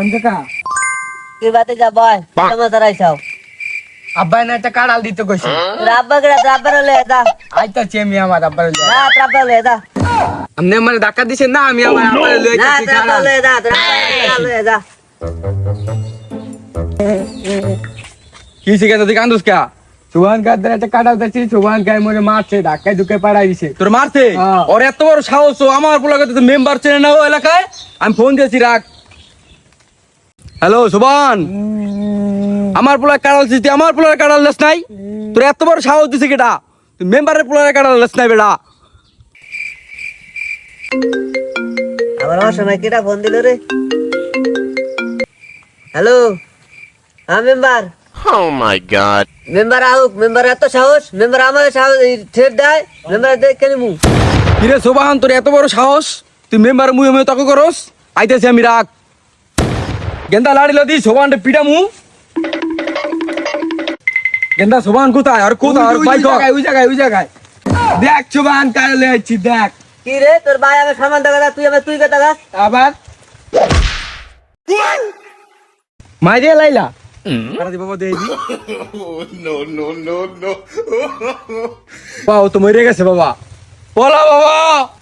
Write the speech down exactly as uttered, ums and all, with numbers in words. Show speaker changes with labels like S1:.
S1: সোহান কাকা
S2: কি বাতে যা বয় সমাচার আইসাও
S1: আব্বাই না একটা কাড়াল দিতে কইছে
S2: তোর আব্বা গড়া আব্বার লয়ে যা
S1: আইতাছি আমি আমার আব্বার লয়ে
S2: না তোর আব্বা লয়ে যা
S1: আপনি আমার ধাক্কা দিছেন না আমি আমার আব্বার লয়ে
S2: না
S1: যাচ্ছি
S2: তোর আব্বা লয়ে যা তোর আব্বা লয়ে যা
S1: কি শিখে তুই কান্দুস কা সোহান কাদের একটা কাড়াল দিছি সোহান গায় মরে মারছে ধাক্কায় ধুকে পাড়াই দিছে
S3: তোর মারছে
S1: হ্যাঁ।
S3: ওর এত বড় সাহস ও আমার পোলাকে তো মেম্বার চেনে না ও এলাকায় আমি ফোন দিয়েছি রাখ হ্যালো সুবান আমার পোলা কাড়াল দিতে আমার পোলার কাড়াল লেস নাই তোর এত বড় সাহস দিছে কেটা তুই মেম্বারের পোলার কাড়াল লেস নাই বেটা
S2: আবার আমার সময় কেটা ফোন দিল রে হ্যালো হ্যাঁ member
S4: Oh my god.
S2: Member আউক মেম্বার এত সাহস মেম্বার আমার সাহস ঠের দেয় মেম্বার দেখ কেন মু
S3: কিরে সোবান তোর এত বড় সাহস তুই মেম্বার মুয়ে মুয়ে তক করস আইতেছি আমি রাখ গেন্দা লাড়ি লদি সোবান পিটা মু গেন্দা সোবান কোথায় আর কোথায় আর
S1: ওই
S3: বাইক
S1: জায়গায় ওই জায়গায় ওই জায়গায় দেখ সোহান কাড়াল লয়ে আইছি দেখ
S2: কি রে তোর ভাই আমার সামান দেখা তুই আমার তুই কথা গাছ
S1: আবার মাইরে লাইলা
S3: আরে দি বাবা দেই দি
S4: No, no, no, no.
S3: বাবা ও তো মরে গেছে বাবা বলা বাবা